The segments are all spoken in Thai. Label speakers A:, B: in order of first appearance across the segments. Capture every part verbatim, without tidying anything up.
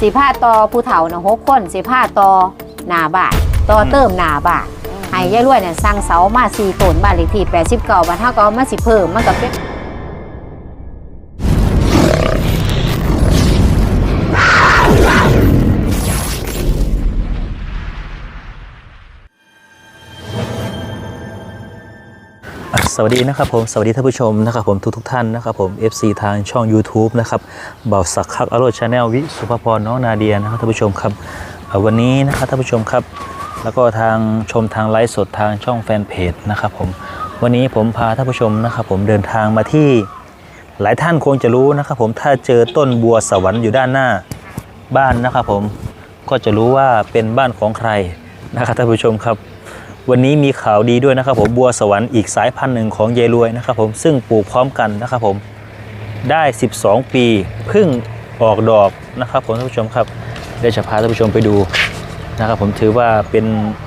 A: สีผ้าต่อผู้เฒ่านะหกคนสีผ้าต่อหน้าบ้านต่อเติมหน้าบ้านให้ยายรวยเนี่ยสร้างเสามาสี่ต้นบ้านเลขที่แปดสิบเก้าบ้านเท่าก็มาสิเพิ่มมันก็เป็น
B: สวัสดีนะครับผมสวัสดีท่านผู้ชมนะครับผมทุกทุกท่านนะครับผม เอฟ ซี ทางช่อง YouTube นะครับเบาสักคักอโรชาแนลวิสุภพรน้องนาเดียนะครับท่านผู้ชมครับวันนี้นะครับท่านผู้ชมครับแล้วก็ทางชมทางไลฟ์สดทางช่องแฟนเพจนะครับผมวันนี้ผมพาท่านผู้ชมนะครับผมเดินทางมาที่หลายท่านคงจะรู้นะครับผมถ้าเจอต้นบัวสวรรค์อยู่ด้านหน้าบ้านนะครับผมก็จะรู้ว่าเป็นบ้านของใครนะครับท่านผู้ชมครับวันนี้มีข่าวดีด้วยนะครับผมบัวสวรรค์อีกสายพันธุ์หนึ่งของยายรวยนะครับผมซึ่งปลูกพร้อมกันนะครับผมได้สิบสองปีเพิ่งออกดอกนะครับผมท่านผู้ชมครับได้จะพาท่านผู้ชมไปดูนะครับผมถือว่าเป็น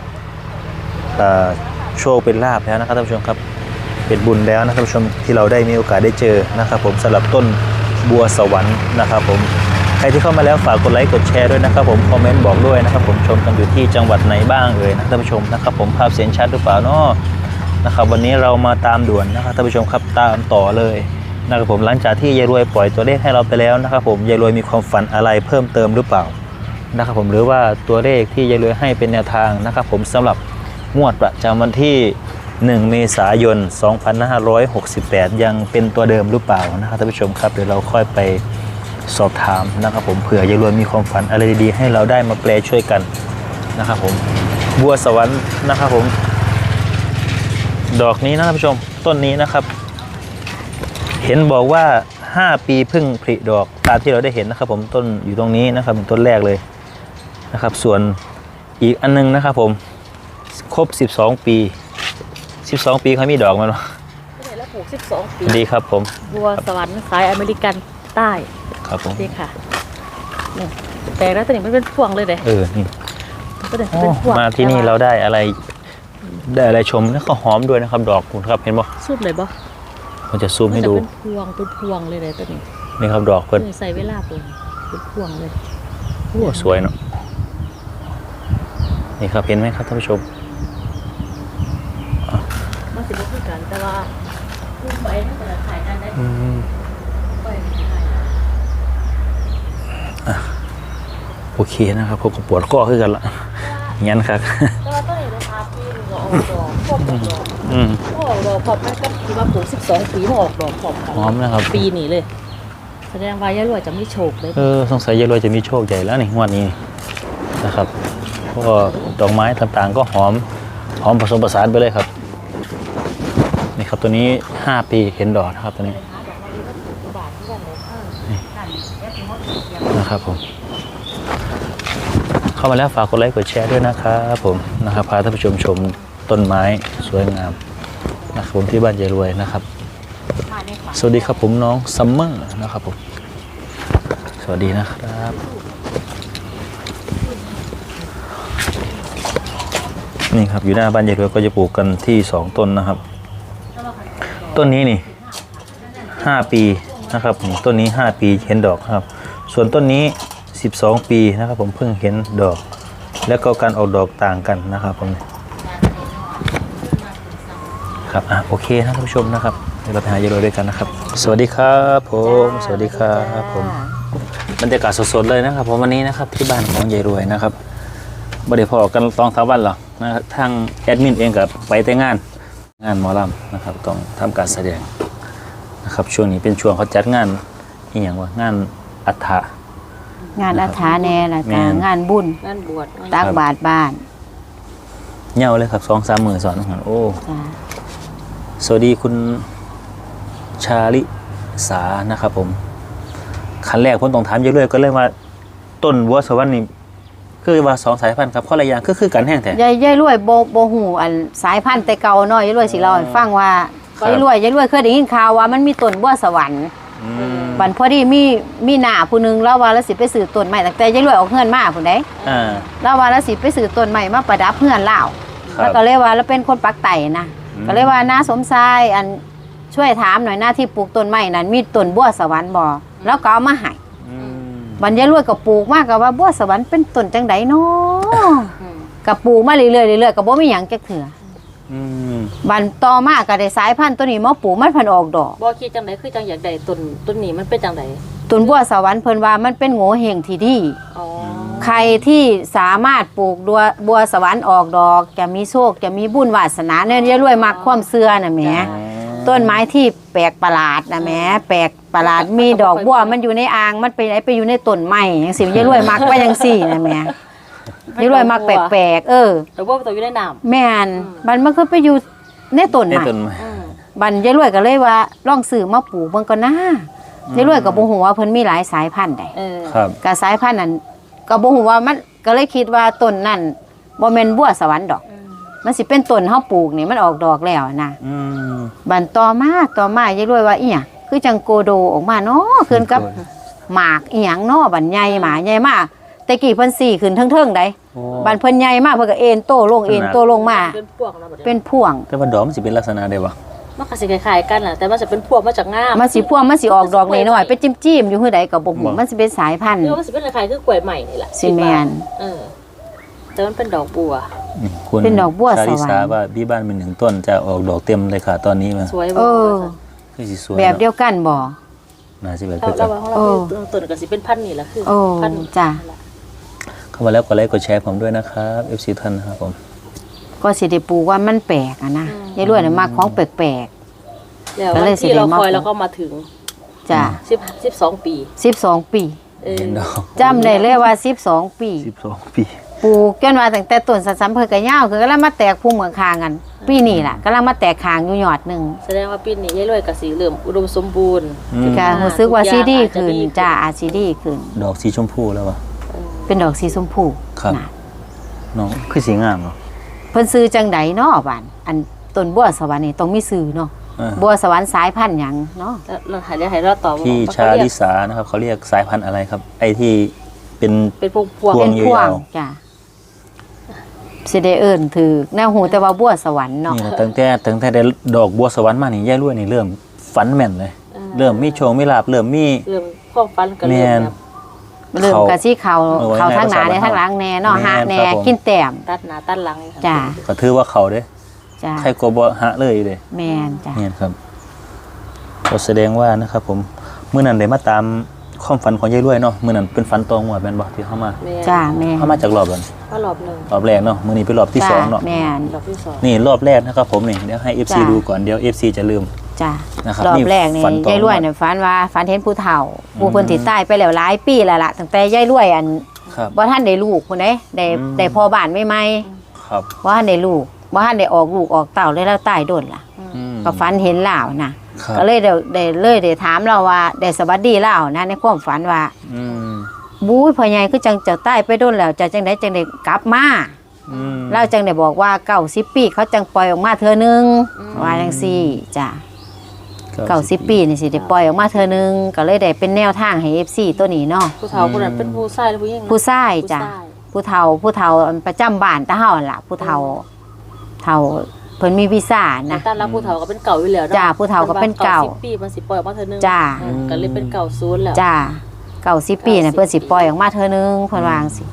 B: โชคเป็นลาภแล้วนะครับท่านผู้ชมครับเป็นบุญแล้วนะครับท่านผู้ชมที่เราได้มีโอกาสได้เจอนะครับผมสำหรับต้นบัวสวรรค์นะครับผมใครที่เข้ามาแล้วฝากกดไลค์กดแชร์ด้วยนะครับผมคอมเมนต์บอกด้วยนะครับผมชมกันอยู่ที่จังหวัดไหนบ้างเอ่ยนะท่านผู้ชมนะครับผมภาพเสียงชัดหรือเปล่าเนาะนะครับวันนี้เรามาตามด่วนนะครับท่านผู้ชมครับตามต่อเลยนะครับผมหลังจากที่ยายรวยปล่อยตัวเลขให้เราไปแล้วนะครับผมยายรวยมีความฝันอะไรเพิ่มเติมหรือเปล่านะครับผมหรือว่าตัวเลขที่ยายรวยให้เป็นแนวทางนะครับผมสำหรับงวดประจำวันที่หนึ่งเมษายนสองพันห้าร้อยหกสิบแปดยังเป็นตัวเดิมหรือเปล่านะครับท่านผู้ชมครับเดี๋ยวเราค่อยไปสอบถามนะครับผมเผื่อยายรวยมีความฝันอะไรดีๆให้เราได้มาแปลช่วยกันนะครับผมบัวสวรรค์นะครับผมดอกนี้นะท่านผู้ชมต้นนี้นะครับเห็นบอกว่าห้าปีเพิ่งผลิดอกตามที่เราได้เห็นนะครับผมต้นอยู่ตรงนี้นะครับต้นแรกเลยนะครับส่วนอีกอันนึงนะครับผมครบสิบสองปีสิบสองปีเขามีดอกมัน
C: ได้แล้วปลูกสิบสองปี
B: ดีครับผม
C: บัวสวรรค์สายอเมริกันใต้
B: ครับผม
C: นี่ค่ะนี่แต่แล้วตัวนี้มันเป็นพวงเลยเด้
B: เออนี่
C: ก็เป็นพวง
B: มาที่นี่เราได้อะไรได้อะไรชมแล้วก็หอมด้วยนะครับดอกคุณครับเห็นบ่
C: ซูมเลยบ่
B: มันจะซูมให้ดู
C: เป็นพวงเป็นพวงเลยเลยตัวนี้
B: นี่ครับดอกเพิ่น
C: ใส่เวลาปลูกเป็นพวงเลย
B: โอ้สวยเนาะนี่ครับเห็นไหมครับท่านผู้ชม
C: มาสิบคือกันแต่ว่าปลูกไปน่าจะขายกันได้
B: โอเคนะครับผมก็ปวดข้อขึ้นกันละงั้นครับ
C: แต่ว่าต้นนี้ราคาปีนึงก็ออกดอกพวกดอกอืมออกดอกพร้อมกันก็ที่ว่าปลูกสิบสองปีมันออกดอกพร้อมกัน
B: หอมนะครับ
C: ปีนี้เลยแสดงว่ายายรวยจะมีโชคเลย
B: เออสงสัยยายรวยจะมีโชคใหญ่แล้วนี่งวดนี้นะครับเพราะดอกไม้ต่างๆก็หอมหอมผสมผสานไปเลยครับนี่ครับตัวนี้ห้าปีเห็นดอกนะครับตัวนี้นะครับผมเข้ามาแล้วฝากกดไลค์กดแชร์ด้วยนะครับผมนะครับพาท่านผู้ชมชมต้นไม้สวยงามนะครับผมที่บ้านยายรวยนะครับสวัสดีครับผมน้องซัมเมอร์นะครับผมสวัสดีนะครับนี่ครับอยู่หน้าบ้านยายรวยก็จะปลูกกันที่สองต้นนะครับต้นนี้นี่ห้าปีนะครับต้นนี้ห้าปีเห็นดอกครับส่วนต้นนี้สิบสองปีนะครับผมเพิ่งเห็นดอกแล้วก็การออกดอกต่างกันนะครับผมครับอ่ะโอเคนะท่านผู้ชมนะครับเดี๋ยวเราไปหายายรวยด้วยกันนะครับสวัสดีครับผมสวัสดีครับผมบรรยากาศสดๆเลยนะครับผมวันนี้นะครับที่บ้านของยายรวยนะครับบ่ได้พอกันตองสามวันหรอกนะทางแอดมินเองกับไปแต่งานงานหมอลำนะครับต้องทำการแสดงนะครับช่วงนี้เป็นช่วงเขาจัดงานนี่อย่างว่างานอัฐะ
A: งานอัฐาแน่ละกงานบุญ
C: งานบวช
A: ตักบาตรบ้าน
B: เง่าเลยครับสองสามหมื่นสอนหันโอ้สวัสดีคุณชาลิสานะครับผมขั้นแรกผมต้องถามเยอะเลยก็เลยว่าต้นบัวสวรรค์นี่คือว่าสองสายพันธุ์ครับข้อละอย่างคือคือกันแห้งแท้
A: ยายยายรวยโบโบหูอันสายพันธุ์แต่เก่าน้อยยายรวยสิเราฟังว่ายายรวยยายรวยเคยได้ยินข่าวว่ามันมีต้นบัวสวรรค์บันพอดีมีมีหน้าผู้นึงแล้วว่าแล้วสิไปซื้อต้นใหม่ตั้งแต่ยายรวยออกเฮือนมาผู้ใดแล้วว่าแล้วสิไปซื้อต้นใหม่มาประดับเฮือนเล่าแล้วก็เลยว่าแล้วเป็นคนปักไต่นะก็เลยว่าน้าสมชายอันช่วยถามหน่อยหน้าที่ปลูกต้นใหม่นั้นมีต้นบัวสวรรค์บ่แล้วก็เอามาให้บัดยายรวยก็ปลูกมาก็ว่าบัวสวรรค์เป็นต้นจังได๋น้อก็ปลูกมาเรื่อยๆเรื่อยๆก็บ่มีหยังจักเทื่ออืมบัดต่อมาก็ได้สายพันธุ์ตัวนี้มาปลูกมันเพิ่นออกดอก
C: บ่คิดจังได๋คือจังอยากได้ต้นต้นนี้มันเป็นจังได๋
A: ต้นบัวสวรรค์เพิ่นว่ามันเป็นโง่เฮงที่ดีอ๋อใครที่สามารถปลูกบัวบัวสวรรค์ออกดอกจะมีโชคจะมีบุญวาสนาเนี่ยยายรวยมักความเชื่อน่ะแหมต้นไม้ที่แปลกประหลาดนะแหมแปลกประหลาดมีดอกบัวมันอยู่ในอ่างมันไปไหนไปอยู่ในต้นไม้จังซี่ยายรวยมักว่าจังซี่นะแหมยายรวยมักแปลกๆเออ
C: ดอกบัวมันอยู่ในน้ำ
A: แม่นมันมันคือไปอยู่ในต้นไม้บัดยายรวยก็เลยว่าลองซื้อมาปลูกเบิ่งก่อนนะยายรวยก็บ่ฮู้ว่าเพิ่นมีหลายสายพันธุ์ได้ครับก็สายพันธุ์นั้นก็บ่ฮู้ว่ามันก็เลยคิดว่าต้นนั้นบ่แม่นบัวสวรรค์ดอกมันสิเป็นต้นเฮาปลูกนี่มันออกดอกแล้วนะอืมบัดต่อมาต่อมายายรวยว่าอีหยังคือจังโกโดออกมาเนาะขึ้นกับหมากอีหยังเนาะบัดใหญ่หมาใหญ่มากแต่กี้เพิ่นสี่ขึ้นเทิงๆได้บัดเพิ่นใหญ่มากเพิ่นก็เอ็นโตลงเอ็นโตลงมาเป็นพวงแล้วบัดเป็นพวง
B: แต่ว่าดอกมันสิเป็นลักษณะใดวะ
C: มันก็สิคล้ายๆกันแหละแต่มันจะเป็นพวงมาจากงาม
A: มันสิพวงมันสิออกดอกน้อยๆเป็นจิ้มๆอยู่คือใดก็บ่ฮู้มันสิเป็นสายพันธุ์
C: เออมันสิเป็นคล้ายๆคือกล้วยใหม่นี่แหละ
A: สิแม่น
C: เออแต่มันเป็นดอกบัว
A: เป็นดอกบัวสวรรค์
B: ว่าพี่บ้านเป็นหนึ่งต้นจะออกดอกเต็มเลยค่ะตอนนี้มา
C: สวย
A: เออ
B: คือสิสวย
A: แบบเดียวกันบ่
B: น่าสิแบบ
C: เดียวกันของเราต้นก็สิเป็นพันธุ์นี่แหละคือ
A: พันธุ์จ้ะ
B: เข้ามาแล้วกดไลค์กดแชร์ผมด้วยนะครับ เอฟ ซี ท่านนะครับผม
A: ก็สิได้ปลูกว่ามันแปลกอ่ะนะยายรวยน่ะมักของแปลก
C: ๆแล้ววันที่เราคอยแล้วก็มาถึง
A: จ้ะ
C: สิบ สิบสองปี
A: สิบสองปีจำได้เลยว่าสิบสองปี
B: สิบสองปี
A: ปลูกจนว่าตั้งแต่ต้นสัมเพิ่นก็ยาวคือก็แล้วมาแตกพุ่มเหมือนคางกันปีนี้ล่ะกำลังมาแตกคางอยู่ยอดนึง
C: แสดงว่าปีนี้ยายรวยก็สิเริ่มอุดมสมบูรณ์
A: ก็รู้สึกว่าซีดีขึ้นจ้ะอาซีดีขึ้น
B: ดอกสีชมพูแล้วว่ะ
A: เป็นดอกสีชมพู
B: ครับน้องคือสีงามเนาะ
A: เพิ่นซื้อจังไดเนาะบ้านอันต้นบัวสวรรค์นี่ต้องมีซื้อเนาะบัวสวรรค์สายพันธุ์หยังเนาะ
C: เราหาได้ให้เราตอบ
B: พี่ชาลิสานะครับเขาเรียกสายพันธุ์อะไรครับไอ้ที่เป็น
C: เป็นพวงพวง
A: เป็นพวงจ้ะสิได้เอิ้นถือแนวหูแต่ว่าบัวสวรรค์เนาะ
B: นี่ตั้งแต่ตั้งแต่ได้ดอกบัวสวรรค์มานี่ยายรวยนี่เริ่มฝันแม่นเลยเริ่มมีโชคมีลาภเริ่มมี
C: เริ่มความฝันก็เริ่ม
A: เริ่มกะสิเขาเขาทางหน้าในทางหลังแน่เนาะหะแน่กินแต้ม
C: ตัดหน้าตัดหลัง
A: จ้ะ
B: ก็ถือว่าเขาเด้จ้ะใครก็บ่หะเลยเด้
A: แม่นจ้ะ
B: เนี่ยครับก็แสดงว่านะครับผมมื้อนั้นได้มาตามความฝันของยายรวยเนาะมื้อนั้นเป็นฝันตองวดแม่นบ่ที่เข้ามา
A: จ้ะแม่
B: เข้ามาจากรอบนั้น
C: รอบนึง
B: รอบแรกเนาะมื้อนี้เป็นรอบที่สองเนาะ
A: แม่น
C: รอบที่สอง
B: นี่รอบแรกนะครับผมนี่เดี๋ยวให้ เอฟ ซี ดูก่อนเดี๋ยว เอฟ ซี จะลืม
A: จ้ะรอบแรกนี่ยายรวยเนี่ยฝันว่าฝันเห็นผู้เฒ่าผู้เพิ่นที่ตายไปแล้วหลายปีแล้วล่ะตั้งแต่ยายรวยอันบ่ทันได้ลูกพุ่นเด้ได้ได้พ่อบ้านใหม่ๆครับบ่ทันได้ลูกบ่ทันได้ออกลูกออกเต้าเลยแล้วตายโดนล่ะก็ฝันเห็นลาวนะก็เลยได้ได้เลยได้ถามเราว่าได้สวัสดีลาวนะในความฝันว่าอืมบู้ยพ่อใหญ่คือจังเจ้าตายไปโดนแล้วจะจังได๋จังได้กลับมาอืมเราจังได้บอกว่าเก้าสิบปีเขาจังปล่อยออกมาเทื่อนึงว่าจังซี่จ้ะเก้าสิบปีนี่สิได้ปล่อยออกมาเทื่อนึงก็เลยได้เป็นแนวทางให้ เอฟ ซี ตัวนี้เนาะ
C: ผู้เฒ่าผู้นั้นเป็นผู้ชายหรือผู้หญิง
A: ผู้ชายจ้ะผู้เฒ่าผู้เฒ่าประจำบ้านตาเฮาล่ะผู้เฒ่าเฒ่าเพิ่นมีวีซ่านะ
C: ตอนรับผู้เฒ่าก็เป็นเก่าอยู่แล้ว
A: จ้าผู้เฒ่าก็เป็นเก่า
C: สิบปีมันสิปล่อยออกมาเทื่อนึง
A: จ้า
C: ก็เลยเป็นเก่าศูนย์แล้ว
A: จ้าเก้าสิบปีน่ะเพิ่นสิปล่อยออกมาเทื่อนึงเพิ่นว่าจังซี่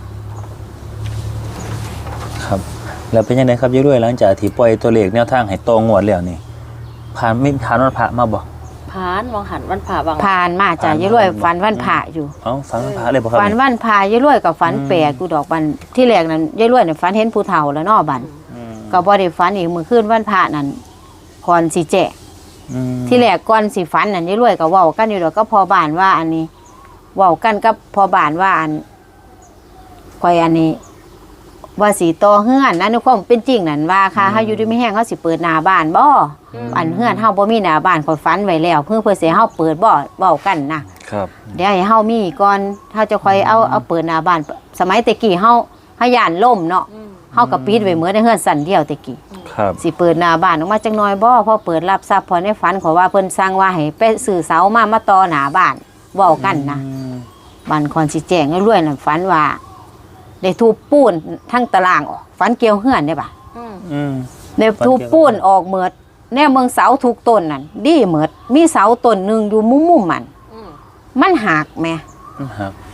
B: ครับแล้วเป็นยังไงครับยายรวยหลังจากที่ปล่อยตัวเลขแนวทางให้ตรงงวดแล้วนี่ผ่านไม่ผ่านวันพระมาบ่
C: ผ่านวางหันวันพระวาง
A: ผ่านมาจ้ะยายรวยฝันวันพระอยู่
B: เอ้าฝันวันพระเลยบ่ครับ
A: ฝันวันพระยายรวยก็ฝันแปลกกูดอกบันที่แรกนั้นยายรวยน่ะฝันเห็นผู้เฒ่าแล้วเนาะบัดก็บ่ได้ฝันอีกมื้อคืนวันพระนั้นก่อนสิแจ้งที่แรกก่อนสิฝันนั่นยายรวยก็เว้ากันอยู่ดอกก็พอบ้านว่าอันนี้เว้ากันกับพอบ้านว่าอันข่อยอันนี้ว่าสิต่อเฮือนนะในความเป็นจริงนั่นว่าค่ะเฮาอยู่ดีมีแฮงเฮาสิเปิดหน้าบ้านบ่อันเฮือนเฮาบ่มีหน้าบ้านข่อยฝันไว้แล้วเพื่อเพื่อสิเฮาเปิดบ่เว้ากันนะครับเดี๋ยวให้เฮามีก่อนเฮาจะค่อยเอาเอาเปิดหน้าบ้านสมัยตะกี้เฮาเฮาย่านล่มเนาะเฮาก็ปิดไว้เหมือนในเฮือนสั่นเดียวตะกี้ครับสิเปิดหน้าบ้านออกมาจักหน่อยบ่พอเปิดรับทรัพย์พอในฝันขอว่าเพิ่นสั่งว่าให้ไปซื้อเสามามาต่อหน้าบ้านเว้ากันนะบ้านคอนสิแจ้งรวยๆนั่นฝันว่าได้ทุบปูนทั้งตารางออกฝันเกี่ยวเฮือนได้ป่ะอืมได้ทุบปูนออกเหมือดแน่เมืองเสาทุกต้นนั่นดีเหมือดมีเสาต้นนึงอยู่มุมๆมันมันหักแม่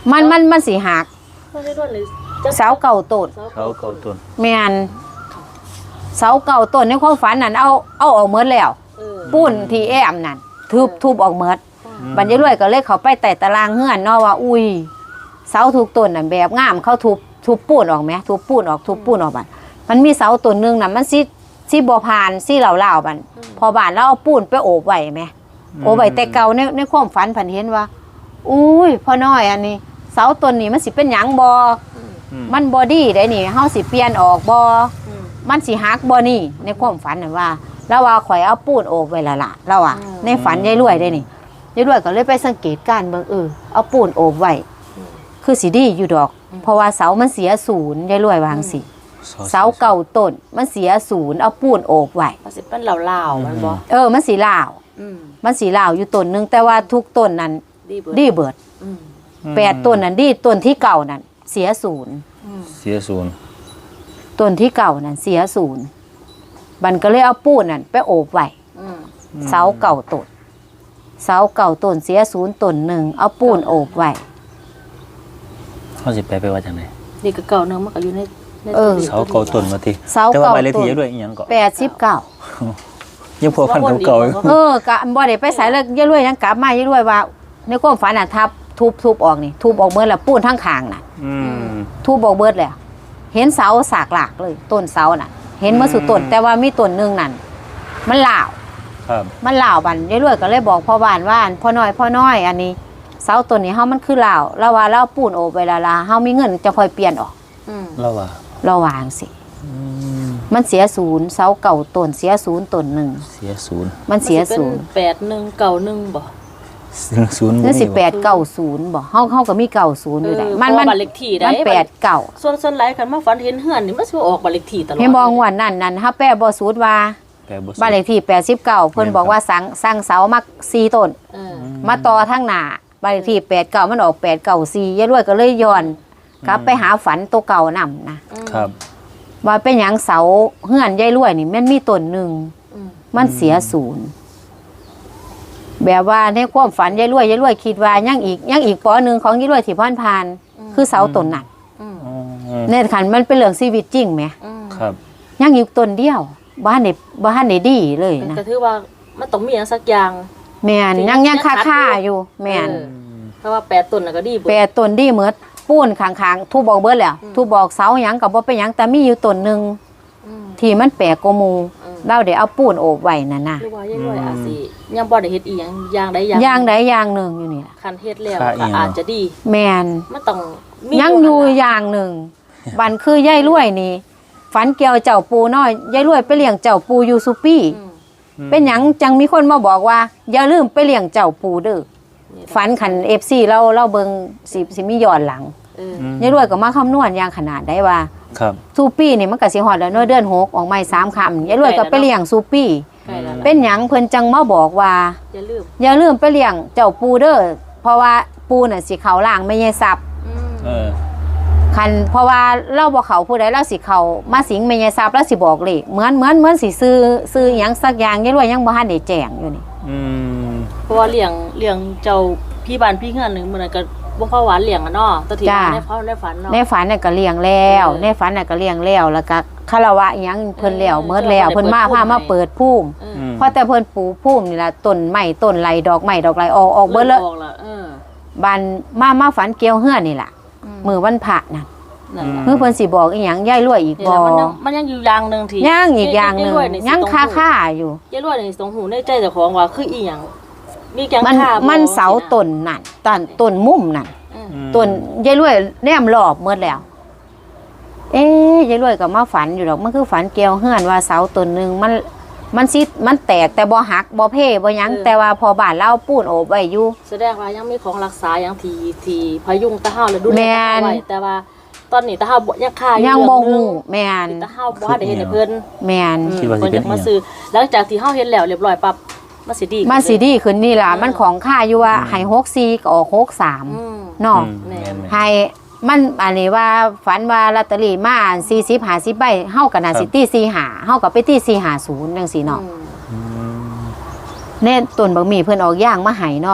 A: มันมันมันสิหัก
C: ไม่ได้ด้วยเลย
A: เสาเก่าต้น
B: เขาเก่าต้น
A: แม่นเสาเก่าต้นในความฝันนั่นเอาเอาออกหมดแล้ว
C: เออ
A: ปุ้นที่แอมนั่นทุบทุบออกหมดบรรยายรวยก็เลยเขาไปไต่ตารางเฮือนเนาะว่าอุ้ยเสาทุกต้นน่ะแบบงามเขาทุบทุบปูนออกไหมทุบปูนออกทุบปูนออกบัดมันมีเสาต้นหนึงน่ะมันสิสิบ่ผ่านสิเหล่าๆบัดพอบานแล้วเอาปูนไปโอบไว้ไหมโอบไว้แต่เก่าในในความฝันผันเห็นว่าอุ้ยพ่อน้อยอันนี้ เสาต้นนี้มันสิเป็นหยังบ่มันบ่ดีได้นี่เฮาสิเปลี่ยนออกบ่มันสิหักบ่นี่ในความฝันน่ะว่าแล้วว่าข่อยเอาปูนโอบไว้ละล่ะแล้วอ่ะในฝันยายรวยได้นี่ยายรวยก็เลยไปสังเกตการเบิ่งเออเอาปูนโอบไว้คือสิดีอยู่ดอกเพราะว่าเสามันเสียศูนย์ยายรวยวางสิเสาเก่าต้นมันเสียศูนย์เอาปูนโอบไว้
C: มันสิเป็นเหล่าๆมันบ่
A: เออมันสิลาว
C: อืม
A: มันสิลาวอยู่ต้นนึงแต่ว่าทุกต้นนั้น
C: ดีเบิด
A: ดีเบิด
C: อืม
A: แปดต้นนั้นดีต้นที่เก่านั้นเสียศูนย์
C: อืม
B: เสียศูนย์
A: ต้นที่เก่านั้นเสียศูนย์บันก็เลยเอาปูนนั้นไปโอบไว้
C: อืม
A: เสาเก่าต้นเสาเก่าต้นเสียศูนย์ต้นหนึ่งเอาปูนโอบไว้
B: เขาสิไปไปว่าจังได๋
C: นี่ก็เก่าเนึงมันก็อยู่ในใน
A: เออ
B: เสาเก่าต้นมาติ
A: เสา
B: แต่ว่า
A: เก่า
B: ใบเลข
A: ต้
B: ที่
A: น
B: ยายรวยอีหยังก็
A: แปดสิบเก้า
B: ยังพอพันเก่าๆอยู่
A: เออกะบ่ได้ไปใส่เลยยายรวยยังกลับมายายรวยว่าในความฝันน่ะทับทุบทุบออกนี่ทุบออกเบิดแล้วปูนทั้งข้างน่ะ
B: อืม
A: ทุบออกเบิดแล้วเห็นเสาสากหลากเลยต้นเสาน่ะ เห็นเมื่อสุดต้นแต่ว่ามีต้นหนึงนั่นมันลาว
B: ครับ
A: มันลาวบันยายรวยก็เลยบอกพ่อบ้านว่าพ่อน้อยพ่อน้อยอันนี้เสาต้นนี้เฮามันคือลาวแล้วว่าเราปูนโอบไว้และละเฮามีเงินจะค่อยเปลี่ยนออก
C: อืม
B: แล้วว่า
A: เราวางสิมันเสียศูนย์เสาเก่าต้นเสียศูนย์ต้นหนึ่ง
B: เสียศูนย์
A: มันเสียศูนย์
C: แปดหนึ่งเก่าหนึ่งบ่
B: ศูนย์
A: นั่นสิแปดเก้าศูนย์บอกเฮาเฮาก็มีเก้าศูนย์อยู่ได้
C: เออ
A: มัน
C: เพ
A: มั
C: ราะ
A: น
C: ว่าบ้านเลขที่ได้
A: มันแปดเก้า
C: ส่วนส่วนหลายคันมาฝันเห็นเฮือนนี่มันสิออกบ้านเลขที่ตลอด
A: เห็นบองวันนั้นนั่นเฮาแปะบ่สูตรว่า
B: แปลบ่
A: บ้านเลขที่แปดสิบเก้าเพิ่นบอกว่าสั่งสั่งเสามาสี่ต้น
C: เออ
A: มาต่อทางหน้าบ้านเลขที่แปดเก้ามันออกแปดเก้าสี่ยายรวยก็เลยย้อนกลับไปหาฝันตัวเก่านํนะครับ ว่าเป็นหยังเสาเฮือนยายรวยนี่มันมีต้นหนึง
C: อืม
A: มันเสียศูนย์แบบว่าในความฝันยายรวยยายรวยคิดว่ายังอีกยังอีกปอหนึ่งของยายรวยที่ผ่านผ่านๆคือเสาต้นนั้น
C: อืม
B: อืม
A: ในขันมันเป็นเรื่องชีวิตจริงไหม
C: อืม
B: ครับ
A: ยังอยู่ต้นเดียวบ้านในบ้านในดีเลยนะ
C: ก็ถือว่ามันต้องมีอย่างสักอย่าง
A: แมน
C: จริง
A: ยังยัง
C: ยัง
A: ค่า
C: ขัด
A: ค่า
C: อยู่
A: อยู่แมน
C: เออ เพราะว่าแปดต้นน่ะก็ดีเบิด
A: แปรต้นดีเหมือดปูนขางๆทูบบอกเบิดแล้ว
C: อืม
A: ทูบอกเสาหยังกับบ่เป็นหยังแต่มีอยู่ต้นหนึ่ง
C: อืม
A: ที่มันแปลกกว่าหมู
C: อืม
A: เราเดี๋ยวเอาปูนโอบไว้นั่นน่ะ
C: หรือว่ายายรวยอาจสิยังบ่ได้เฮ็ดอีหยังอย่างใดอย่าง
A: อย่างใดอย่างหนึ่งอยู่นี่ล่ะ
C: คันเฮ็ดแล้ว
B: ค่าอี
C: ก็
B: หยัง
C: อาจจะดี
A: แมน
C: มันต้องมี
A: ยังอยู่อย่างหนึ่งบันคือย่ายรวยนี่ฝันเกี่ยวเจ้าปูน้อยย่ายรวยไปเลี้ยงเจ้าปูยูซูปี้
C: อืม
A: เป็นหยังจังมีคนมาบอกว่า อย่าลืมไปเลี้ยงเจ้าปูเด้อ
C: นี่ล่ะ
A: ฝันขันเอฟซีเราเราเบิงสิสิมีย้อนหลัง
C: เออ
A: ยายรวยก็มาคำนวณอย่างขนาดได้ว่า
B: ครับ
A: ซูปี้นี่มันก็สิฮอดแล้วเนาะเดือนหกออกใหม่สามคำยายรวยก็ไปเลี้ยงซูปี้
C: ใกล้แล้วล่ะ
A: เป็นหยังเพิ่นจังมาบอกว่า
C: อย่าลืม
A: อย่าลืมไปเลี้ยงเจ้าปูเด้อเพราะว่าปูน่ะสิเขาล่างไม่ใช่ซับ
C: อืม
B: เออ
A: คันเพราะว่าเราบ่เขาผู้ใดเราสิเขามาสิงไม่ใช่ซับแล้วสิบอกเลขเหมือนเหมือนเหมือนสิซื้อซื้อหยังสักอย่างยายรวยยังบ่ทันได้แจ้งอยู่นี่
B: อืม
C: เพราะว่าเลี้ยงเลี้ยงเจ้าพี่บ้านพี่เฮือนหนึงมื้อนั้นก็บ่พอหวานเลี้ยงอ่ะเนาะแตะที่ในเฝ้าในฝันเนาะ
A: ในฝันน่ะก็เลี้ยงแล้ว
C: เออ
A: ในฝันน่ะก็เลี้ยงแล้วแล้วก็คารวะอิหยังเพิ่นแล้ว
C: เออ
A: เมิดแล้ว
C: เพิ่
A: เพิ่น
C: น
A: มา
C: เปิด
A: พามา
C: ภูมิ
A: เปิดภูมิ
C: เออ
B: อืม
A: เพราะแต่เพิ่นปลูกภูมินี่ล่ะต้นไม้ต้นไรดอกไม้ดอกไรออกออกเบิดเลย
C: ออกละเออ
A: บ้านมามาฝันเกี่ยวเฮือนนี่ล่ะมื้อวันพระน่ะ
C: นั่นล่ะ
A: เมื่อเพิ่นสิบอกอีหยังยายรวยอีก
C: นี่
A: บ่
C: ล่ะมันยังมันยังอยู่อย่างหนึงที่
A: ย่างอีกอย่างหนึง
C: รวนี่สิ
A: ยัง
C: ต้อง
A: คา
C: รู้
A: ค่าอยู่
C: ยายรวยนี่ต้องหูในใจเจ้าของว่าคืออีหยังมีจัง
A: มัน
C: ค่าบ่
A: มันเสาต้นนั่นต้นต้นมุมนั่น
C: อืม
A: ต้นยายรวยแนมรอบหมดแล้ว เอ๊ยยายรวยก็มาฝันอยู่ดอกมันคือฝันเกี่ยวเฮือนว่าเสาต้นหนึงมันมันสิมันแตกแต่บ่หักบ่เพ่บ่หยังแต่ว่าพอบ้านเราปูนโอบไว้อยู่
C: แสดงว่ายังมีของรักษาอย่างที่ที่พยุงตะเฮาและดูแล
A: แม่
C: ตะเฮาน ไว้แต่ว่าตอนนี้ตะเฮาบ่ยังค่าอยู่
A: ยังบ่
C: เรื่องห
A: ฮู้
C: นึ่ง
A: แม่น
C: ที่ตะเฮาบ่ได้เฮ็ดให้เพิ่น
A: แม่น
B: คิดว่าสิ
C: เพิ่น
B: เป็
C: อน ยากมาซื้อหลังจากที่เฮาเฮ็ดแล้วเรียบร้อยปั๊บมันสิดีขึ้
A: มันสิ
C: เลย
A: ดีขึ้นนี่ล่ะ
C: เออ
A: มันของค่าอยู่ว่าให้หกสี่ก็ออกหกสาม
C: อืม
A: เนาะ
B: อืมแม่นๆ
A: ให้มันอันนี้ว่าฝันว่าลอตเตอรี่มาสี่สิบห้าสิบใบเฮาก็น่าสิตีสี่ห้าเฮาก็ไปตีสี่ห้าศูนย์จังซี่เนาะ
C: อืม
B: อืม
A: เน่ต้นบักหมี่เพิ่นออกย่างมาให้เนาะ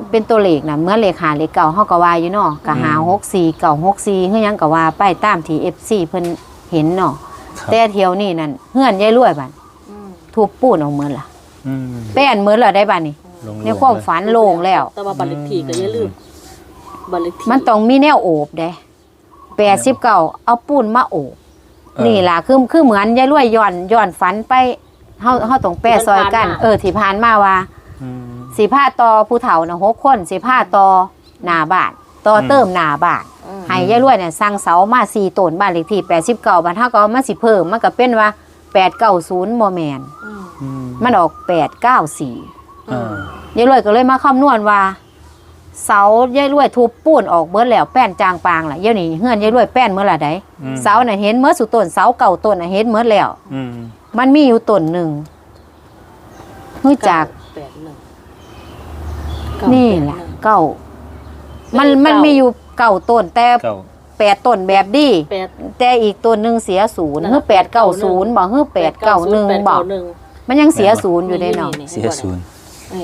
A: เป็นตัวเลขน่ะเหมือนเลขหาเลขเก่าเฮาก็ว่าอยู่เนาะก็หาหกสี่เก่าหกสี่คือหยังก็ว่าไปตามที่ เอฟ ซี เพิ่นเห็นเนาะแต่เที่ยวนี้นั่นเฮือนยายรวยบัดทุบปูนออกเหมือนล่ะ
B: อืม
A: แป้นเหมือนล่ะได้บัดนี้
B: ลง
A: ในความฝันโล่งแล้ว
C: แต่ว่าบัตรเลขที่ก็อย่าลืมบัตรเลขที่
A: มันต้องมีแนวโอบเด้แปดสิบเก้าเอาปูนมาโอบนี่ล่ะคือคือเหมือนยายรวยย้อนย้อนฝันไปเฮาเฮาต้องแปะซอยกัน เออที่ผ่านมาว่า
B: อืม
A: สิพาต่อผู้เฒ่าน่ะหกคนสิพาต่อหน้าบ้านต่อเติมหน้าบ้านให้ยายรวยเนี่ยสร้างเสามาสี่ต้นบ้านเลขที่แปดสิบเก้าบ้านเฮาก็เอามาสิเพิ่มมันก็เป็นว่าแปดเก้าศูนย์บ่แม่น
B: อืม
A: มันออกแปดเก้าสี่
B: อ่า
A: ยายรวยก็เลยมาคำนวณว่า เสายายรวยทุบปูนออกเบิดแล้วแป้นจางปางล่ะเดี๋ยวนี้เฮือนยายรวยแป้นเมื่อละใดเสาน่ะเห็นเมื่อสุต้นเสาเก่าต้นน่ะเห็นเมื่อแล้ว
B: อืม
A: มันมีอยู่ต้นหนึ่งรู้จัก
C: แปดหนึ่ง
A: นี่แหละเก่ามันมันมีอยู่เก่าต้นแต่
B: เก้า
A: แปดต้นแบบดี
C: แปด
A: แต่อีกต้นหนึ่งเสียศูนย์
C: นั่น
A: เฮือแปดเก้าศูนย์บอกเฮือแปดเก้าหนึ่งบอก
C: หนึ่ง
A: มันยังเสียศูนย์อยู่ได้เนาะ
B: เสียศูนย์
C: นี่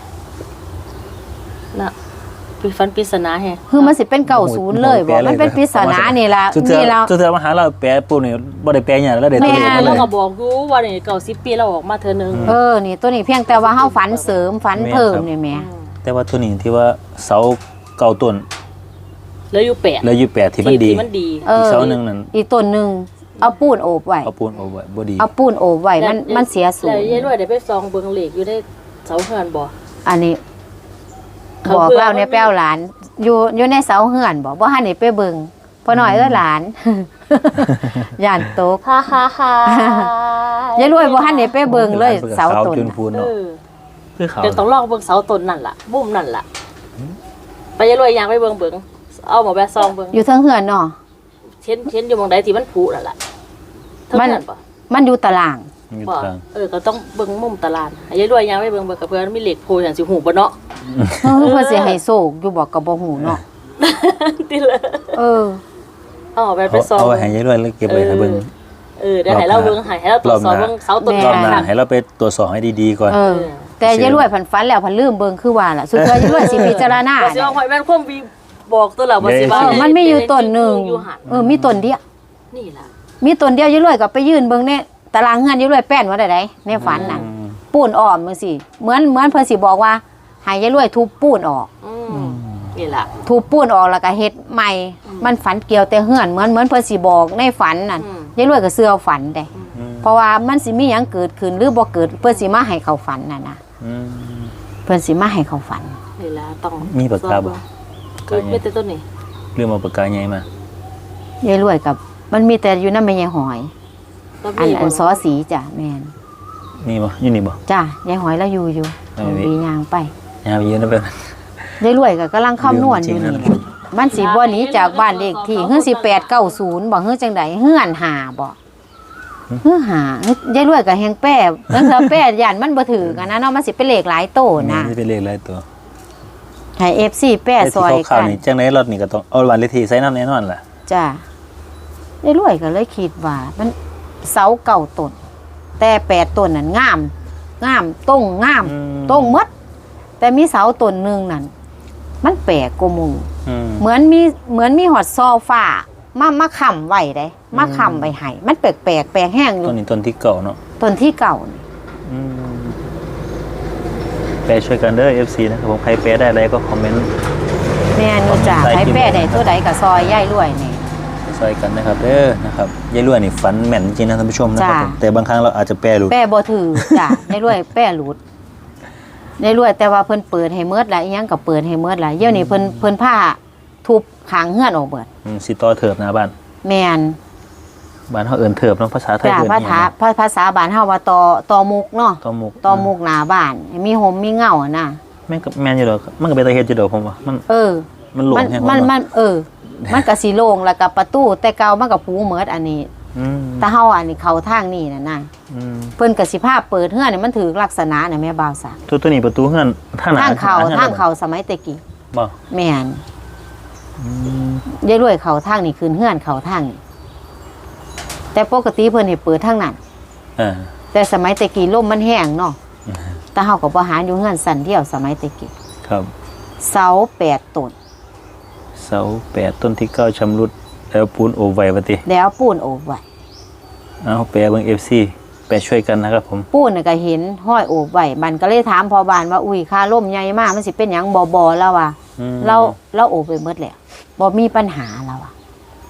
C: น่ะปีฟันปริศนาแฮะ
A: คือมันสิเป็นเก่าศูนย์เลยบอกมันเป็นปริศนานี่ละ
B: สุดเทือ
A: นี่ละ
B: สุดเทือมาหาเราแปะปูนี่บ่ได้แปะหยังแล้วเด็ดตัวเลขมาเล
C: เรา
B: ย
C: ก็บอกอยู่ว่านี่เก่าสิบปีเราออกมาเธอหนึ่ง
A: เออนี่ตัวนี้เพียงแต่ว่าเฮาฝันเสริมฝันเพิ่มนี่แหม่
B: แต่ว่าตัวนี้ที่ว่าเสาเก่าต้น
C: แล้วอยู่แปด
B: แล้วอยู่แปดที่มันดี
C: ที่มันดี
A: เอ
B: อีก
A: อ
B: เสาหนึงนั่น
A: อีกต้นหนึ่งเอาปูนโอบไว้
B: เอาปูนเอาไว้บ่ดี
A: เอาปูนโอบไว้มันมันเสียศู
C: แล้ว
A: นย์
C: ยายรวยได้ไปซองเบิงเหล็กอยู่ในเสาเฮือนบ่
A: อันนี้
C: เขา
A: บอก
C: เพื่อ
A: เราเนี่ย
C: มันมี
A: แป้วหลาน อยู่อยู่ในเสาเฮือนบอกว่าหันนี่ไปเบิ่งพอหน่อยเอ้อหลาน ย่านตก
C: ฮ่าฮ่าฮ่าย
A: ายรวยบ่หันนี่ไปเบิ่งเลยเสาต้น
B: จุน
A: น่ะ
B: พูน
C: เอ
B: เนาะ
C: อ
B: คือเขา
C: เดี๋ยวต้องลองเบิ่งเสาต้นนั่นล่ะบุ้มนั่นล่ะไปยายรวยยางไปเบิ่งเบิ่งเอาหมอแบะซองเบิ่ง
A: อยู่เทิงเฮือนเนาะ
C: เช่นเช่นอยู่หมองใดที่มันผุนั่นล่ะเท่า
A: มัน
C: นั้นบ่
A: มันอยู่ตาราง
B: อยู่
C: บ่
B: กลาง
C: เออก็ต้องเบิ่งมุมตารางให้ยายรวยยางไปเบิ่งเบิ่งกับเพื่อนมีเหล็กโพอย่างสิหูบ่เนาะ
A: เออเพิ่นสิให้โศกอยู่บอกก็บ่ฮู้เนาะ
C: ติเลย
A: เออ
C: เอาหมอแบะไป
B: เอา
C: ซอง
B: เอาไว้ให้ยายรวยแล้วเก็บไว้ให้เบิ่ง
C: เออเดี๋ยวให้เราเบิ่งให้ให้เราตรวจสอบเบิ่งเสาต้น
A: แม่
B: รอบหน้าให้เราไปตรวจสอบให้ดีๆก่อน
A: เออ แต่ยายรวยผันฝันแล้วผันลืมเบิ่งคือว่าล่ะสุดท้ายยายรวยสิพิจารณา
C: บ่สิว่าหอยแม่นความวีบอกตัวเราบ่สิว่า
A: เออมันมีอยู่ต้นหนึ่ง
C: อยู่หัน
A: เออมีต้นเดียว
C: นี่ล่ะ
A: มีต้นเดียวยายรวยก็ไปยืนเบิ่งในตารางเฮือนยายรวยแป้นว่าได้ไดในฝันน่ะ
B: อืม
A: ปูนอ้อมจังซี่เหมือนเหมือนเพิ่นสิบอกว่าให้ยายรวยทุบปูนออก
C: อืมนี่ล่ะ
A: ทุบปูนออกแล้วก็เฮ็ดใหม่ มันฝันเกี่ยวแต่เฮือนเหมือนเหมือนเพิ่นสิบอกในฝันนั่น
C: อืม
A: ยายรวยก็เชื่อฝันได้
B: อืม
A: เพราะว่ามันสิมีหยังเกิดขึ้นหรือบ่เกิดเพิ่นสิมาให้เขาฝันน่ะนะ
B: อืม
A: เพิ่นสิมาให้เขาฝัน
C: นี่ล่ะต้อง
B: มีปากกาบ่
C: คือไม่แต่ต้นนี้
B: เรื่องมาปากกาใหญ่มาย
A: ายรวยกับมันมีแต่อยู่นำแม่ยายหอย
C: แล้ว
A: อัน
C: มี
A: อันซอสีจ้ะแม่น
B: มีบ่อยู่นี่บ่
A: จ้ะยายหอยแล้วอยู่อยู่
B: เอาไว้
A: ปียางไป
B: ยามยืนนะเพิ่น
A: ยายรวยก็กำลังคำนวณอยู่นี่แหละมันสิบ่หนีจากบ้านเลขที่เฮือสิแปดเก้าศูนย์บ่เฮือจังใดเฮือนหาบ่เฮือหายายรวยก็แฮงแป้เพิ่นสิแป้ย่านมันบ่ถือกันนะเนาะมันสิเป็นเลขหลายโตนะ
B: นี่เป็นเลขหลายตัว
A: ให้ เอฟ ซี แป้ซอย
B: แต่ที่
A: กั
B: เข้าน ๆนี่จังได๋รถนี่ก็ต้องเอาวันเลขที่ใส่น้ำแน่นอนล่ะ
A: จ้ะยายรวยก็เลยคิดว่า มันเสาเก่าต้นแต่แปดต้นนั่นงามงามต้งงาม
B: อืม
A: ต้งหมดแต่มีเสาต้นหนึงนั่นมันแปลกกว่าหมู่
B: อืม
A: เหมือนมีเหมือนมีหอดซอฟ้ามามาค้ำไว้ได้มาค้ำไว้ให้มันแปลกแปลกๆแปลกแห้งอ
B: ต้
A: ยู่
B: นนี้ต้นที่เก่าเนาะ
A: ต้นที่เก่านี่
B: อืมแปลช่วยกันเด้อ เอฟ ซี นะครับผมใครแปลได้อะไรก็คอมเมนต์
A: แม่นูจ่า
B: ใส่
A: ใช้
B: กิน
A: แป้ได้ตัวใดกับซอยย่ายรวยนี่
B: ซอยกันนะครับเด้อนะครับยายรวยนี่ฝันแม่นจริงนะท่านผู้ชมนะครับ
A: จ้ะ
B: ผมแต่บางครั้งเราอาจจะแปลหลุด
A: แป้บ่ถือจ้ะ ย่ายรวยแป้หลุดย่ายรวยแต่ว่าเพิ่นเปิดให้เมิดละอีหยังก็เปิดให้เมิดละเดี๋ยวนี้เพิ่นเพิ่นผ้าทุบขางเฮือนออกเบิด
B: อืมสิต่อเถิบหน้าบ้าน
A: แม่น
B: บ้านเฮาเอิ้นเถิบเนาะภาษาไทย
A: จ้ะ
B: เอิ้น
A: ภา
B: อิห
A: ษา
B: ยังนะ
A: ภาษาบ้านเฮาว่าตอตอมุกเนาะ
B: ต่อมุก
A: ตอมุกหน้าบ้านให้มีหมมีเงาอะนะ
B: แม่นก็แม่นอยู่ดอกมันก็เป็นตาเฮ็ดอยู่ดอกผมว่ามัน
A: เออ
B: มันหลง
A: มัน
B: แฮง
A: มัน
B: ว่า
A: มันเออ มันก็สีโล่งแล้วก็ประตูแต่เก่ามันก็ผูเหมิดอันนี้
B: อืม
A: แต่เฮาอันนี้เข้าทางนี่น่ะนะ
B: อืม
A: เพิ่นก็สิพาเปิดเฮือนนี่มันถือลักษณะน่ะแม่บ่าวซะ
B: ตัวตัวนี้ประตูเฮือนทางหน้า
A: ทางเข้า
B: ฮือน
A: ทางเข้าสมัยแตะกี้
B: บ่
A: แม่น
B: อืม
A: ยายรวยเข้าทางนี่คืนเฮือนเข้าทางนี่แต่ปกติเพิ่นให้เปิดทางนั้น
B: เออ
A: แต่สมัยแตะกี้ลมมันแห้งเนาะแต่เฮาก็บ่หาอยู่เฮือนสั่นเดียวสมัยแตะกี้
B: ครับ
A: เสาแปดต้น
B: เสาแปดต้นที่เก้าชำรุดแล้วปูนโอบไว้ปะติ
A: แล้วปูนโอบไว้
B: เอาแปลเบิ่ง เอฟ ซี ไปช่วยกันนะครับผม
A: ปูนน่ะก็เห็นห้อยโอบไว้บันก็เลยถามพอบ้านว่าอุ้ยค่าล่มใหญ่มากมันสิเป็นหยังบ่บ่แล้วว่ะ
B: อืม
A: เราเราโอบไปหมดแล้วบ่มีปัญหาแล้วอ่ะ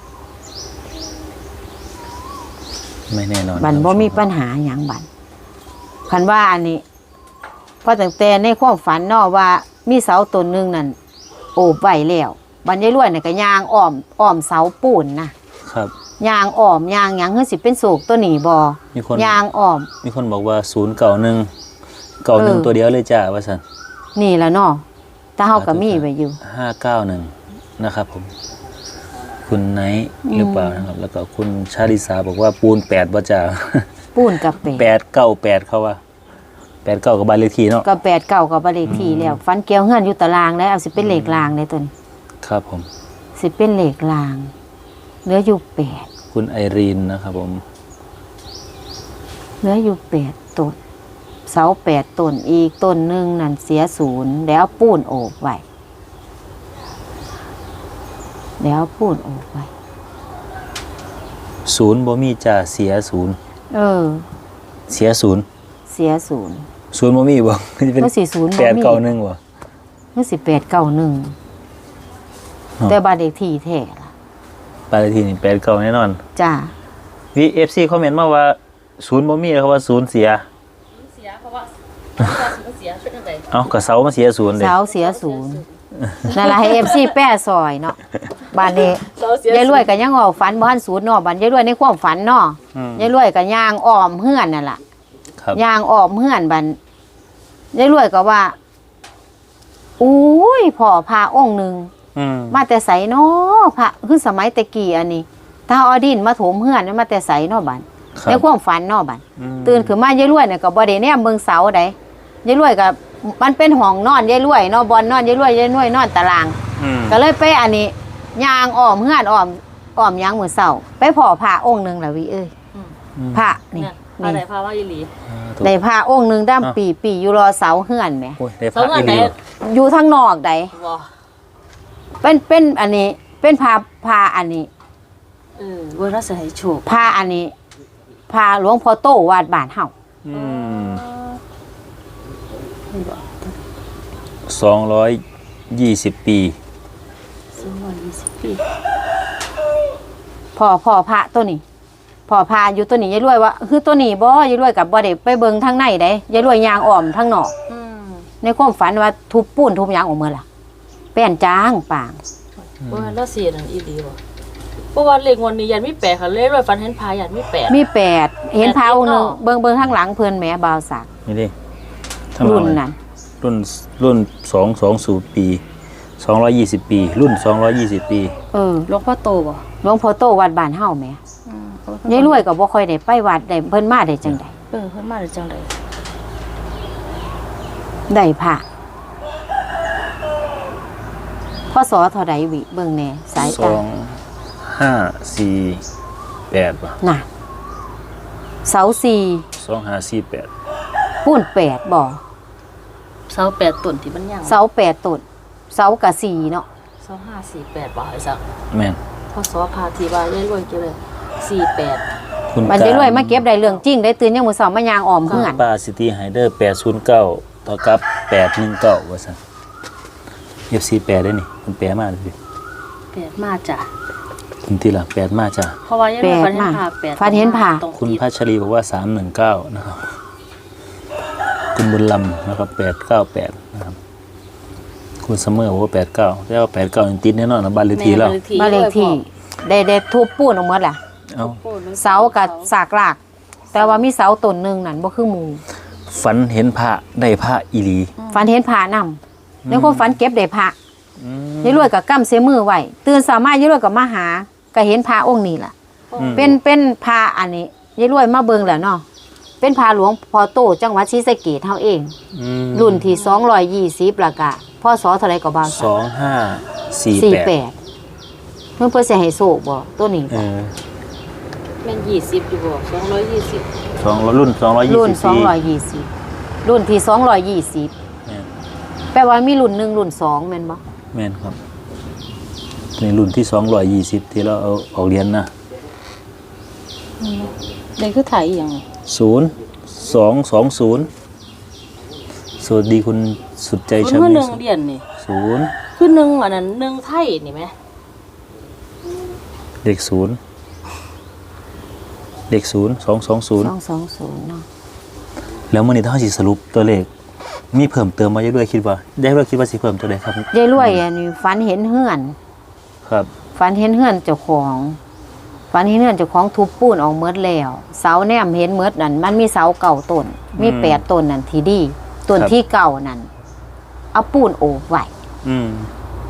B: ไม่แน่นอน
A: บันบ่มีปัญหาหยังบันคันว่าอันนี้เพราะตั้งแต่ในความฝันเนาะว่ามีเสาต้นหนึงนั่นโอบไว้แล้วบันยายรวยน่ะก็ย่างอ้อมอ้อมเสาปูนนะครับ ย่างอ้อมย่างหยังคือสิเป็นโศกตัวนี้บ่
B: มีคน
A: ย่างอ้อม
B: มีคนบอกว่าศูนย์เก่าหนึ่งเก่าหนึ่ง
A: เออ
B: ตัวเดียวเลยจ้าว่าสัน
A: นี่แหละเนาะแต่เฮาก็มีไว้อยู่
B: ห้าเก้าหนึ่งนะครับผม คุณไนท์หรือเปล่านะครับ แล้วก็คุณชาลิสาบอกว่าปูนแปดว่าจ้า
A: ปูนกับเป็ด
B: แปดเก้าแปดเขาว่าแปดเก้ากับบ้านเลขที่เนาะ
A: ก็แปดเก่ากับบ้านเลขที่แล้วฟันเกี่ยวเฮือนอยู่ตารางแล้วเอาสิเป็นเลขรางเลยตัวนี้
B: ครับผม
A: สิเป็นเลขรางเหลืออยู่แปด
B: คุณไอรีนนะครับผม
A: เหลืออยู่แปดต้นเสาแปดต้นอีกต้นหนึ่งนั่นเสียศูนย์แล้วปูนโอบไว้แล้วปูนโอบไว้
B: ศูนย์บ่มีจ้าเสียศูนย์
A: เออ
B: เสียศูนย์
A: เสียศูนย์
B: ศูนย์บ่มีบ่ มันจะเป็น
A: ก็สี่ศูนย์
B: แปดเก้าหนึ่งบ่
A: ก็สิแปดเก้าหนึ่ง
B: อ๋อ
A: แต่บ้านเลขที่แท้ล่ะ
B: บ้านเลขที่นี่แปดเก้าแน่นอน
A: จ้า
B: วี เอฟ ซี คอมเมนต์มาว่าศูนย์บ่มีเขาว่าศูนย์เสีย
C: เสียเพราะว่าเพราะว่าเสียช่วยกันไป
B: เอ้าก็เสามาเสียศูนย์เด้
A: เสาเสียศูนย์นั่นล่ะให้เอฟซีแป้ซอยเนาะบ้านนี้
C: เสาเสีย
A: ยายรวยก็ยังออกฝันบ่ทันศูนย์เนาะบัดยายรวยในความฝันเนาะ
B: อืม
A: ยายรวยก็ย่างอ้อมเฮือนนั่นล่ะ
B: ครับ
A: ย่างอ้อมเฮือนบัดยายรวยก็ว่าอุ้ยพ่อพาองค์หนึง
B: อืม
A: มาแต่ไสเนาะพระคือสมัยแต่กี้อันนี้ ถ้าเอาดินมาถมเฮือนมาแต่ไสเนาะบัด
B: ครับ
A: ในความฝันเนาะบัด
B: อืม
A: ตื่นขึ้นมายายรวยเนี่ยก็บ่ได้แนมเบิ่งเสาใดยายรวยก็มันเป็นห้องนอนยายรวยเนาะบ่อนนอนยายรวยยายรวยนอนตาราง
B: อืม
A: ก็เลยไปอันนี้ย่างอ้อมเฮือนอ้อมอ้อมหยังมื้อเช้าไปพ่อพระองค์หนึงล่ะวิเอ้ย
C: อืม
A: พระนี่
C: เนี่ยพาไหน
A: นี่
C: พาว่าอีหลี
B: อ่าถูก
A: ได้พระองค์หนึงด้าม
B: อ้าว
A: ปีปีอยู่รอเสาเฮือนแหม
B: โอ้ยได้
C: เสา
B: พระ
C: เงิ
B: อี
C: น
B: ห
C: ไหน
B: ลี
A: อยู่ทางนอกใด
C: บ่
A: เป็นเป็นอันนี้เป็นพระพระอันนี้
C: เออเวลาจะให้โชค
A: พระอันนี้พระหลวงพ่อโตวาดบ้านเฮา
B: อืม
C: นี่บ่
B: สองร้อยยี่สิบปี
C: สองร้อยยี่สิบปี
A: พ่อพ่อพระตัวนี้พ่อพระอยู่ตัวนี้ยายรวยว่าคือตัวนี้บ่ยายรวยกับบ่ได้ไปเบิ่งทางในใดยายรวยย่างอ้อมทางนอก
C: อืม
A: ในความฝันว่าทุบปูนทุบหยังออกมาล่ะแป้นจางปาง
C: ว่าแล้วเสียนั่นอีหลีบ่เพราะว่าเลขงวดนี้ยันมีแปดค่ะเลขด้วยฟันเห็นพายันมีแปด
A: มีแปดเห็นพระองค์หนึง
C: แปดติดเนาะ
A: เบิ่งเบิ่งข้างหลังเพิ่นแหมบ่าวสัก
B: นี่ดิทั้งหม
A: รุ่
B: ด
A: น
B: เลย
A: นั้น
B: รุ่นรุ่นสองสองศูนย์ปีสองร้อยยี่สิบปี รุ่นสองร้อยยี่สิบปี
A: เออ
C: หลวงพ่อโตบ่
A: หลวงพ่อโตวัดบ้านเฮาแหม
C: อืม
A: ยายรวยก็บ่ค่อยได้ไปวัดได้เพิ่นมาได้จังได๋
C: เออเพิ่นมาได้จังได๋
A: ได้พระพศเท่าใดวิเบิ่งแหน่สาย
B: ส
A: ตา
B: องห้าสี่แปดป่ะ
A: น่ะเสาสี่
B: สองห้าสี่แปด
A: ปูนแปดบ่
C: เสาแปดต้นที่มันยัง
A: เสาแปดต้นเสากะสี่เนาะ
C: เสาห้าสี่แปดบ่ไอ้สัก
B: แม่น
C: พศพาทีว่ายายรวยเกี่ยวเลยสี่แปด
B: คุณ
A: มันได้รวยมาเก็บได้เรื่องจริงได้ตื่นยังมื้อเช้ามายางอ้อมเฮือน
B: ป้าซิตี้ไฮเดอร์แปดศูนย์เก้าต่อกับแปดหนึ่งเก้าว่าซั่นเอฟซีแปดได้นี่คุณแปดมาเลย
C: แปดมาจ้ะ
B: คุณทีละแปดมาจ้ะ
C: เพราะว่ายายรวยฟันเห็นพาแปด
A: ฟันเห็นผ่า
C: ตรง
B: คุณ
C: ติด
B: พัชรีบอกว่าสามหนึ่งเก้านะครับ คุณบุญลำนะครับแปดเก้าแปดนะครับ คุณเสมอบอกว่าแปดเก้าแล้วแปดเก้ายังติดแน่นอนนะบ้านเลขที่แล้ว
A: บ้านเลขที่ได้ได้ทุบปูนออกหมดล่ะ
B: เอา
A: เสากับสากราก แต่ว่ามีเสาต้นหนึงนั่นบ่คือหมู่
B: ฝันเห็นพระได้พระอีหลี
A: ฝันเห็นพระนำในความฝันเก็บได้พระยายรวยก็กำเสมือไว้ตื่นเช้ามายายรวยก็มาหาก็เห็นพระองค์นี้ล่ะ เป็นเป็นพระอันนี้ยายรวยมาเบิ่งแล้วเนาะเป็นพระหลวงพ่อโตจังหวัดศรีสะเกษเฮาเอง
B: อืม
A: รุ่นที่สองร้อยยี่สิบแล้วก็พศเท่าไหร่ก็บ่าว
B: สองห้าสี่
A: สี่
B: แป
A: แป
B: ด
A: ดเพิ่นเพิ่นสิให้โชคบ่ตัวนี้
B: เอ
A: บ่
B: อ
C: แม่นยี่สิบอยู่บ่สองร้อยยี่สิบ
B: สองรุ่นสองร้อยยี่
A: รุ่น
B: สิบ
A: สองร้อยยี่สิบรุ่นที่สองร้อยยี่สิบ
B: เนี่ย
A: ไปลว่ามีรุ่นหนึ่งรุ่นสองแม่นบ่
B: แม่นครับในรุ่นที่สองร้อยยี่สิบที่เราเอาออกเรียนนะ
C: เด็กคือถ่ายอีหยัง
B: ศูนย์สองสองศูนย์สวัสดีคุณสุดใจ
C: มัน
B: ชา
C: คือ
B: มิ
C: หนึ่งเดียนนี่
B: ศูนย์
C: คือหนึ่งอันนั้นหนึ่งไทยนี่ไหม
B: เด็กศูนย์เด็กศูนย์สองสองศูนย์
A: สองสองศูนย์เนาะ
B: แล้วมื่อนี้ถ้าสิสรุปตัวเลขมีเพิ่มเติมมาเยอะด้วยคิดว่าได้ด้วยคิดว่าสิเพิ่มตัวใดครับ
A: ยายรวยอันนี้ฝันเห็นเฮือน
B: ครับ
A: ฝันเห็นเฮือนเจ้าของฝันเห็นเฮือนเจ้าของทุบปูนออกเมดแล้วเสาแนมเห็นเมดนั่นมันมีเสาเก่าต้นมีแปดต้นนั่นที่ดีต้นที่เก่านั่นเอาปูนโอบไว้
B: อืม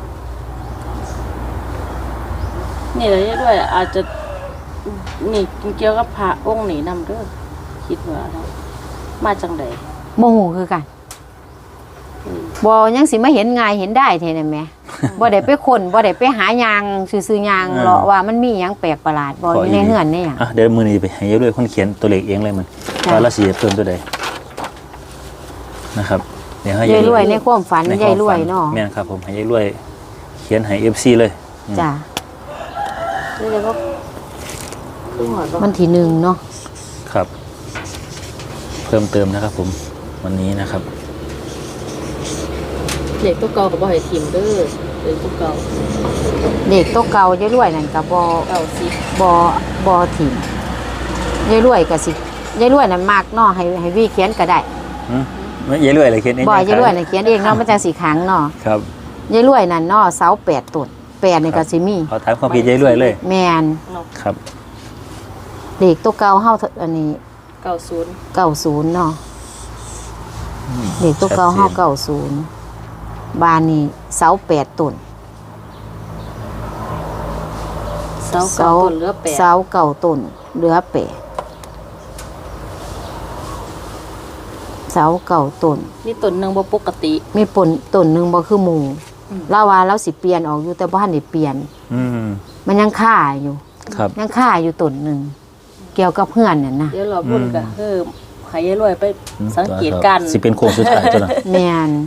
C: นี่เลยด้วยอาจจะนี่เกี่ยวกับพระองค์นี้นำเด้อคิดว่าเนาะมาจังได
A: โมโหคือกันบอยังสิมาเห็นง่ายเห็นได้เท่นั่นแหม บ่ได้ไปคนบ่ได้ไปหายางซื้อๆยางเลาะว่ามันมีหยังแปลกประหลาดบ่อยู่ในเฮือนนี่หยัง
B: อ่ะเดี๋ยวมือนี้ไปให้เยอะด้วยคนเขียนตัวเลขเองเลยมัน
A: จ้ะ
B: ว่าเราสิเพิ่มตัวใดนะครับเดี๋ยวให้
A: ยายรวยในความฝัน
B: ในค
A: ยายว
B: าม
A: รวย
B: ฝั
A: เนาะ
B: แม่นครับผมให้ยายรวย เขียนให้ เอฟ ซี เลยอืม
A: จ้ะ
C: นี่เลยก็คือหอดบ่
A: วันที่หนึ่งเนาะ
B: ครับ เพิ่มเติมนะครับผมวันนี้นะครับ
C: เด็กตัวเก่าก็บ่ให้ทิมเด้อเด็กตัวเก่า
A: เด็กโตะเก่ายายรวยนั่นก็บ่
C: เก่าสิ
A: บ่บ่ถิ่มยายรวยก็สิยายรวยนั่นมากเนาะให้ให้วีเขียนก็ได้
B: อืมไม่ยายรวยอะไรเขียนเอง
A: บ่
B: นะ
A: ยายรวยน่ะเขียนเองเนาะมันจังสิขังเนาะ
B: ครับ
A: ยายรวยนั่นเนาะเสาแปดต้นแปดนี่ก็สิมี
B: ขอถามความผิดยายรวยเลย
A: แม่น
C: เนาะ
B: ครับ
A: เด็กโตะเก่าเฮาอันนี้
C: เก้าศูนย์
A: เก้าศูนย์เนาะเด็กตัวเก่าห้าเก้าศูนย์บ้านนี้เสาแปดต้น
C: เสาเก่าต้นเหลือแปด
A: เสาเก่าต้นเหลือแปดเสาเก่าต้น
C: นี่ต้นหนึงบ่ปกติ
A: มีปนต้นหนึ่งบ่คือหมู่เล่าว่าเราสิเปลี่ยนออกอยู่แต่บ้านได้เปลี่ยน
B: อืม
A: มันยังค่าอยู่
B: ครับ
A: ยังค่าอยู่ต้นหนึ่งเกี่ยวกับเพื่อนน่ะนะ
C: เดี๋ยวเราพุ่นก็คือให้ยายรวยไป
B: อืม
C: สังเกตการณ์
B: สิเป็นโค้งสุดท้ายตัวนั้น
A: แม่น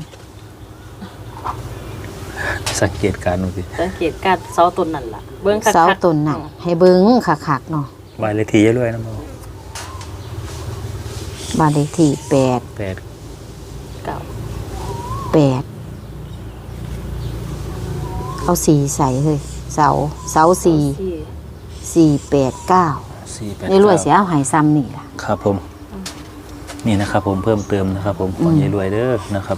B: สังเกตการณ์ดูสิ
C: สังเกตการณ์เสาต้นนั่นล่ะเบิ่งคักๆ
A: เสาต้นน่ะให้เบิ่งคักๆเนาะ
B: วายเลขที่ยายรวยนะโม
A: บ้านเลขที่แปด
B: แปด
C: เก่า
A: แปดเอาสีใส่เฮ้ยเสาเสาสี่
C: ที่
A: สี่แปดเก้า
B: สี่แปด
A: ในรวยเสียเอาใหายซ้ำนี่ล่ะ
B: ครับผม นี่นะครับผมเพิ่มเติมนะครับผมของ
A: อืม
B: ยายรวยเด้อนะครับ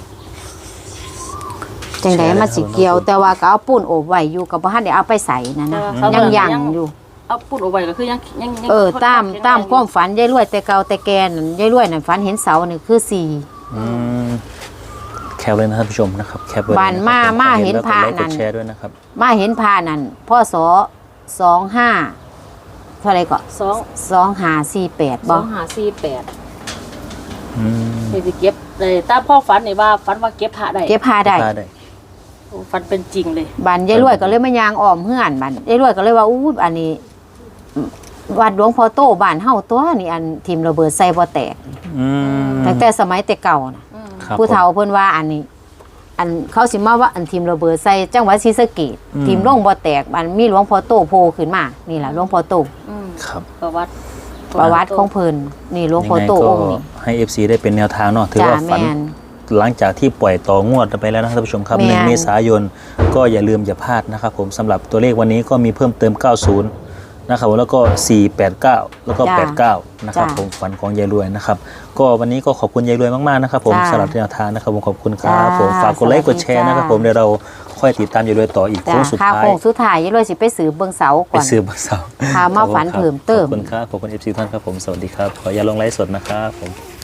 A: จังไดมาสิเกี่ยว แต่ว่าก็เอาปูนโอบไว้อยู่กับบ่ทันได้เอาไปใส่นะนะ
C: แต่ว่าเขา
A: ยัง
C: ยั
A: ยัง งอยู่
C: เอาปุดเอาไว้ก็คือยังยังยัง
A: เออ
C: ทด
A: ตาม
C: แข็ง
A: ตาม
C: แรง
A: ความฝันยายรวยแต่เก่าแต่แกนั่นยายรวยนั่นฝันเห็นเสานี่คือสี่
B: อืมแคปเลยนะครับผู้ชมนะครับ แคปไว้เลย
A: บ้านมา
B: ะครับ
A: มา
B: ใคร
A: เห็น
B: แล้ว
A: พระ
B: กดไลค์
A: นั่
B: ก
A: น
B: ดแชร์ด้วยนะครับ
A: มาเห็นพานั่นพ่อสอสองห้าเท่าไหรก็
C: สอง
A: สองห้าสี่แปด
C: ส
A: บ่
C: องหาสี่แปด
B: อืม
C: นี่สิเก็บเลยตามพ่อฝันนี่ว่าฝันว่าเก็บพระได้
A: เก็บพาได้
B: พาได้
C: โอ้ฝันเป็นจริงเลย
A: บ้านยายรวยก็เลยมายางอ้อมเฮือนบ้านยายรวยก็เลยว่าอู้อันนี้วัดหลวงพ่อโตบ้านเฮาตัวนี่อันทีมระเบิดใส่บ่แตก
B: อืม
A: ตั้งแต่สมัยแต่เก่าน่ะ
B: ครับ
A: ผู้เฒ่าเพิ่นว่าอันนี้ อันเขาสิมาว่าอันทีมระเบิดใส่จังหวัดศรีสะเกษทีมลงบ่แตกอันมีหลวงพ่อโตโผล่ขึ้นมานี่ล่ะหลวงพ่อโต
C: อืม
B: ครับ
C: ประวัติ
A: ประวัติของเพิ่นนี่หลวงพ่อ
B: ยังไง
A: โต
B: ก็
A: องค์นี้
B: ให้ เอฟ ซี ได้เป็นแนวทางเนาะถือ
A: จ้า
B: ว่าฝัน
A: แม่น
B: หลังจากที่ปล่อยต่องวดไปแล้วนะครับท่านผู้ชมครับ
A: แม่น
B: หนึ่งเมษายนก็อย่าลืมอย่าพลาดนะครับผมสำหรับตัวเลขวันนี้ก็มีเพิ่มเติม เก้าสิบ นะครับผมแล้วก็ สี่ แปด เก้า แล้วก็
A: จ้า
B: แปด เก้า นะครับ
A: จ้า
B: ผมฝันของยายรวยนะครับก็วันนี้ก็ขอบคุณยายรวยมากๆนะครับผม
A: จ้า
B: สำหรับแนวทางนะครับผมขอบคุณครับ
A: จ้า
B: ผมฝากกดไลค์กดแชร์
A: สวัสดี
B: นะครับ
A: จ้า
B: ผมเดี๋ยวเราค่อยติดตามยายรวยต่ออีกโค้
A: จ้าง
B: สุด
A: ข้าว
B: ท้าย
A: โค้งสุดท้ายยายรวยสิไปสืบเบิ่งเสา
B: ไป
A: ก่อน
B: ซื้อบักเสา
A: พามาฝันเพิ่มเติม
B: ขอบคุณครับขอบคุณ เอฟ ซี ท่านครับผมสวัสดีครับขออย่าลงไลฟ์สดนะครับผม